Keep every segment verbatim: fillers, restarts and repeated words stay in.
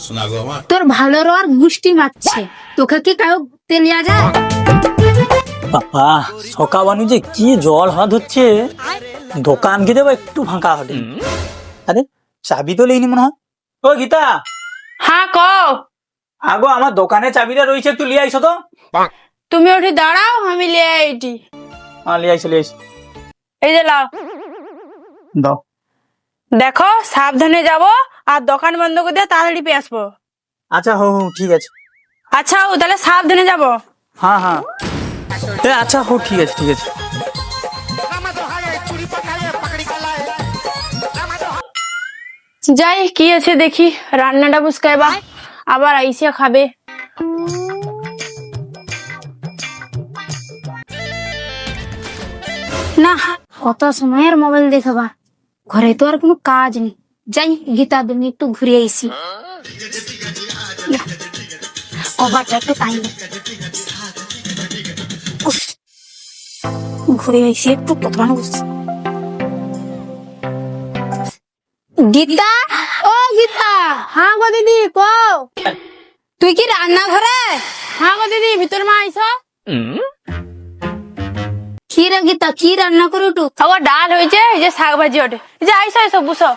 তোর ভালোর আর গুষ্টি মারছে, তোকে কি কাউ তেলিয়া যায়? বাবা সকা বানু যে কি জল হাত হচ্ছে, দোকান কে যাবো একটু ফাঁকা হবে। আরে চাবি তো লেইনি মনে হয়। ও গীতা, হ্যাঁ কও। আগো আমার দোকানে চাবিটা রয়েছে, একটু লিয়ে আইসো তো। তুমি ওঠে দাঁড়াও, আমি লিয়ে আইটি। হ্যাঁ লিয়ে আইসো লিয়ে আইসো। এই যে লাও, দাও। দেখো সাবধানে যাব, আর দোকান বন্ধ করে দিয়ে তাড়াতাড়ি পেয়ে আসবো। আচ্ছা হো হো ঠিক আছে। আচ্ছা ও তাহলে সাবধানে যাব। হ্যাঁ হ্যাঁ এ আচ্ছা হো ঠিক আছে ঠিক আছে। যাই কি আছে দেখি, রান্নাটা বুঝকাইবা, আবার আইসিয়া খাবে। না কত সময়ের মোবাইল দেখবা, ঘরে তো আর কোনো কাজ নেই। যাই গীতা দিন একটু ঘুরে আইসি, কভারটা একটু টাইম ঘুরে আইসি একটু কথা বলছি। গীতা, ও গীতা। হ্যাঁ গো দিদি কও। তুই কি রান্না ঘরে? হ্যাঁ গো দিদি, ভিতর মা আইসো। কি রে গীতা, কি রান্না করে টু? আবার ডাল হয়েছে, এই যে শাক ভাজি ওঠে। এই যে আইসো আইসো বুঝো।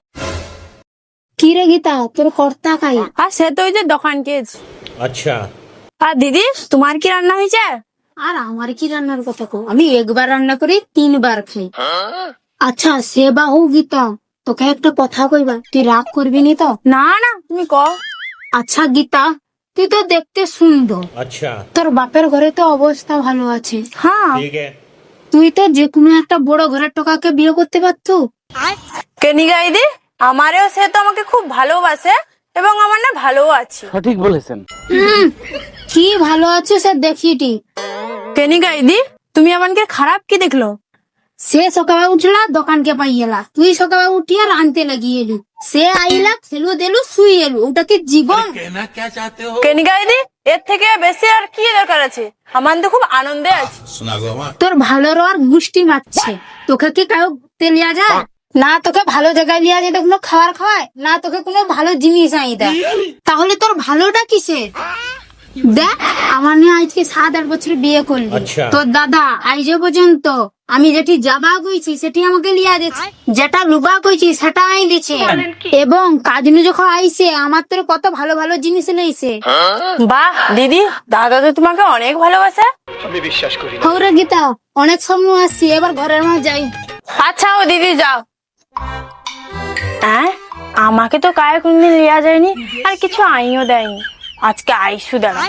কি রে গীতা, তোর কর্তা খাই? আর সে তো ওই যে দোকান কেজ। अच्छा আর দিদি তোমার কি রান্না হয়েছে? আর আমার কি রান্নার কথা কো, আমি একবার রান্না করি তিনবার খাই। আচ্ছা সে বাহু গীতা, তোকে একটা কথা কইবা, তুই রাগ করবি নি তো? না না তুমি কও। আচ্ছা গীতা, তুই তো দেখতে সুন্দর, अच्छा তোর বাপের ঘরে তো অবস্থা ভালো আছে, হ্যাঁ ठीक है তুই তো যে কোনো একটা বড় ঘরের টোকাকে বিয়ে করতে পারতো। কেনি গাইদি, আমারও সে তো আমাকে খুব ভালোবাসে এবং আমার না ভালো আছে। হুম, কি ভালো আছে সে দেখিটি। কেনি গাইদি, তুমি আমাকে খারাপ কি দেখলো? সে সকালে উঠলা দোকানকে পাইয়েলা, তুই সকালে উঠিয়া রানতে লাগিয়ে এলু, সে আইলা খেলু দেলু শুই এলু, ওটা কি জীবন? কেনি গাইদি, এর থেকে বেশি আর কি দরকার আছে? আমার তো খুব আনন্দে আছি। তোর ভালোর আর গুষ্টি মারছে, তোকে কি কাউ তেলিয়া যায়? না তোকে ভালো জায়গায় লিয়া যেতে কোনো খাবার খাওয়ায়, না তোকে কোনো ভালো জিনিস আই দেয়, তাহলে তোর ভালোটা কিসের? দেখ আমার নিয়ে আজকে সাত আট বছর বিয়ে করলি, আচ্ছা। তোর দাদা আইজ পর্যন্ত আমি যেটি যাবা কইছি সেটি আমাকে লিয়া দিচ্ছে, যেটা লুবা কইছি সেটা আই দিছে, এবং কাজনু যখন আইছে আমার তোর কত ভালো ভালো জিনিস লইছে। বাহ দিদি, দাদা তো তোমাকে অনেক ভালোবাসে। হৌরে গীতা, অনেক সময় আসছি, এবার ঘরের মধ্যে যাই। আচ্ছা ও দিদি যাও। হ্যাঁ আমাকে তো কায়ে কোনদিন লিয়া যায়নি, আর কিছু আইও দেয়নি, আজকে আইসু দাঁড়া।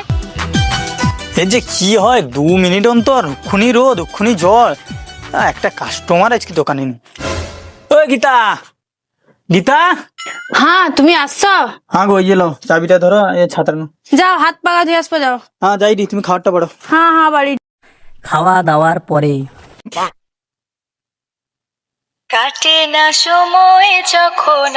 এই যে কি হয়, দু মিনিট অন্তর খুনি রোদ খুনি জল, আহ, একটা কাস্টমার আজকে দোকানে নেই। ও গীতা, গীতা। হ্যাঁ তুমি আসছো? হ্যাঁ গো ইয়ে লো, চাবিটা ধরো, এ ছাতার নো। যাও হাত পাকা ধুয়ে আসবো, যাও। হ্যাঁ যাই দি, তুমি খাবারটা পড়ো। হ্যাঁ হ্যাঁ বাড়ি। খাওয়া দাওয়ার পরে কাটে না সময় যখন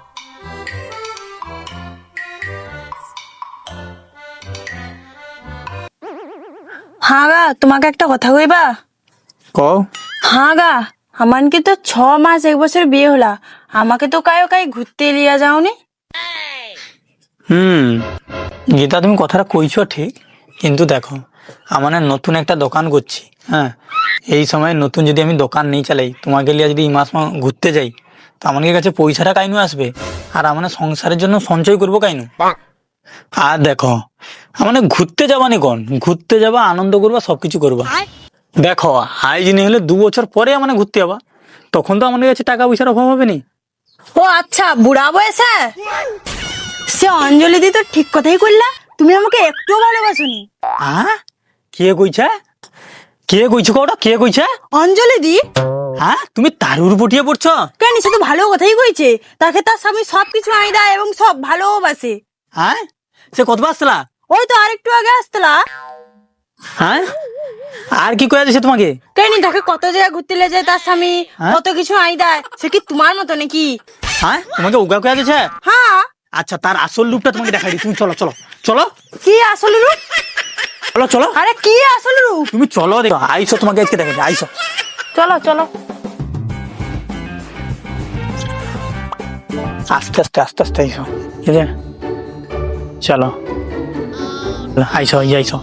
হ্যাঁ গা, তোমাকে একটা কথা কইবা। কও। হ্যাঁ গা, আমার কি তো ছ মাস এক বছর বিয়ে হলা, আমাকে তো কায়ো কাই ঘুরতে লিয়া যাওনি। হুম গীতা, তুমি কথাটা কইছো ঠিক, কিন্তু দেখো আমার না নতুন একটা দোকান করছি, হ্যাঁ এই সময় নতুন যদি আমি দোকান নেই চালাই, তোমাকে লিয়ে যদি এই মাস মাস ঘুরতে যাই, তো আমার কাছে পয়সাটা কাইনু আসবে, আর আমার সংসারের জন্য সঞ্চয় করবো কাইনু। আর দেখো আমার ঘুরতে যাবা নি কোন, ঘুরতে যাবা আনন্দ করবা সবকিছু করবা, দেখো আই জিনিস হলে দু বছর পরে আমার ঘুরতে যাবা, তখন তো আমাদের কাছে টাকা পয়সার অভাব হবে নি। ও আচ্ছা, বুড়া বয়সে সে অঞ্জলি দি তো ঠিক কথাই করলা, তুমি আমাকে একটু ভালোবাসোনি। হ্যাঁ কে কইছে, কে কইছে কটা, কে কইছে? অঞ্জলি দি। হ্যাঁ তুমি তারুর পটিয়ে পড়ছো কেন, সে তো ভালো কথাই কইছে, তাকে তার স্বামী সবকিছু আই দেয় এবং সব ভালোবাসে। হ্যাঁ সে কত আসতলা? ওই তো আরেকটু আগে আসতলা। হ্যাঁ আর কি কয়ে দিছে তোমাকে? কেন, তাকে কত জায়গায় ঘুরতে লে যায় তার স্বামী, হ্যাঁ? কত কিছু আই দেয়, সে কি তোমার মতো নাকি? হ্যাঁ তোমাকে উগা কয়ে দিছে? হ্যাঁ। আচ্ছা তার আসল রূপটা তোমাকে দেখাই দিই, তুমি চলো চলো চলো। কি আসল রূপ? চলো চলো, আরে কি আসল রূপ? তুমি চলো, দেখো আইসো, তোমাকে আজকে দেখাই দিই, আইসো। চলো চলো। আস্তে আস্তে আস্তে আস্তে আইসো, ঠিক আছে? চলো আইসো এই আইসো।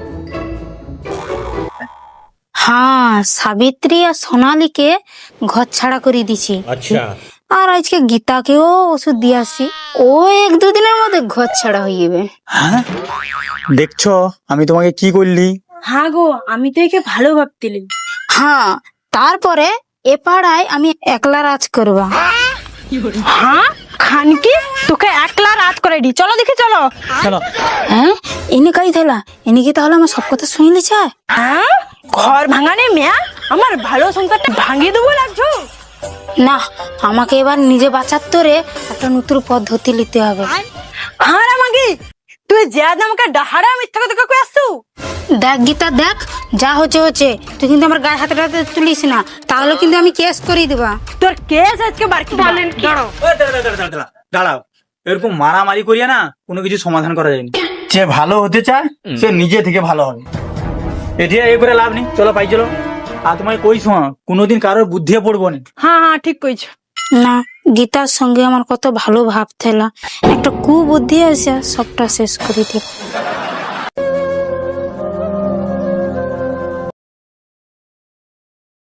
হ্যাঁ, সাবিত্রী আর সোনালীকে ঘর ছাড়া করে দিছি। আর আজকে গীতাকেও ওষুধ দিয়ে আসছি, ও এক দুদিনের মধ্যে ঘর ছাড়া হয়ে যাবে। হ্যাঁ দেখছো আমি তোমাকে কি করলি? হ্যাঁ গো, আমি তো একে ভালো ভাবতিলাম। হ্যাঁ, তারপরে এ পাড়ায় আমি একলা রাজ করবা। হ্যাঁ খানকি, তোকে একলা রাত করে দি, চলো দেখি চলো। চলো। হ্যাঁ, এনে কাই থালা, এনে কি তাহলে আমার সব কথা শুনলি চায়? হ্যাঁ, ঘর ভাঙানে মেয়া আমার ভালো সংসারটা ভাঙিয়ে দেবো লাগছো। না, আমাকে এবার নিজে বাঁচার তোরে একটা নতুন পদ্ধতি নিতে হবে। আর আমাকে তুই যে আমাকে ডাহারা মিথ্যা কথা কই আসছো। দেখ গীতা দেখ, যা হচ্ছে হচ্ছে, তুই কিন্তু আমার গায়ে হাতে হাতে তুলিস না, তাহলে কিন্তু আমি কেস করিয়ে দেবা। তোর কেস আজকে বার কি বলেন কি? দাঁড়াও দাঁড়াও, দাঁড়াও, দাঁড়াও, দাঁড়াও। এরকম মারামারি করিয়া না কোনো কিছু সমাধান করা যায়নি। যে ভালো হতে চায় সে নিজে থেকে ভালো হবে, এটা এ করে লাভ নেই। চলো পাই চলো। আর তোমায় কই শোনা, কোনোদিন কারোর বুদ্ধিয়ে পড়বো না। হ্যাঁ হ্যাঁ ঠিক কইছো। না, গীতার সঙ্গে আমার কত ভালো ভাব থেলা, একটা কুবুদ্ধি আছে সবটা শেষ করে দিল।